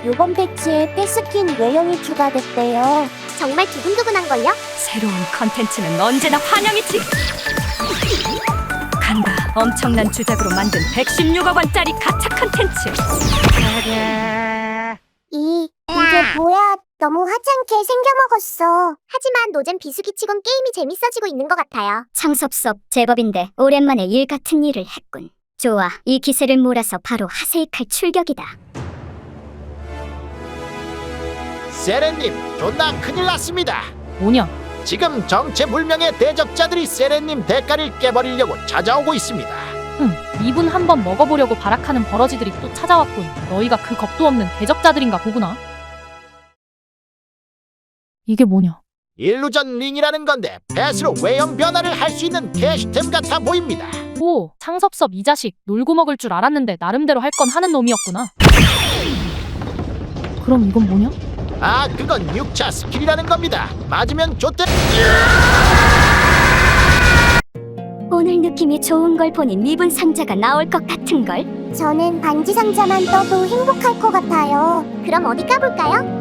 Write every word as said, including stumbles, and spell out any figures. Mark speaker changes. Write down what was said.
Speaker 1: 요번 패치에 패스킨 외형이 추가됐대요.
Speaker 2: 정말 두근두근한걸요?
Speaker 3: 새로운 컨텐츠는 언제나 환영이지. 간다. 엄청난 주작으로 만든 백십육억 원짜리 가차 컨텐츠.
Speaker 1: 이, 이게 뭐야? 너무 하찮게 생겨먹었어.
Speaker 2: 하지만 노잼 비수기치곤 게임이 재밌어지고 있는 것 같아요.
Speaker 4: 창섭섭 제법인데 오랜만에 일 같은 일을 했군. 좋아, 이 기세를 몰아서 바로 하세이칼 출격이다.
Speaker 5: 세렌님, 존나 큰일 났습니다.
Speaker 6: 뭐냐?
Speaker 5: 지금 정체불명의 대적자들이 세렌님 대가를 깨버리려고 찾아오고 있습니다.
Speaker 6: 흠, 이분 한번 먹어보려고 발악하는 버러지들이 또 찾아왔군. 너희가 그 겁도 없는 대적자들인가 보구나. 이게 뭐냐?
Speaker 5: 일루전 링이라는 건데 패스로 외형 변화를 할 수 있는 캐시템 같아 보입니다.
Speaker 6: 오, 창섭섭 이 자식. 놀고 먹을 줄 알았는데 나름대로 할 건 하는 놈이었구나. 그럼 이건 뭐냐?
Speaker 5: 아, 그건 육 차 스킬이라는 겁니다. 맞으면 좋대.
Speaker 4: 오늘 느낌이 좋은 걸 보니 미분 상자가 나올 것 같은 걸.
Speaker 1: 저는 반지 상자만 떠도 행복할 것 같아요.
Speaker 2: 그럼 어디 까볼까요?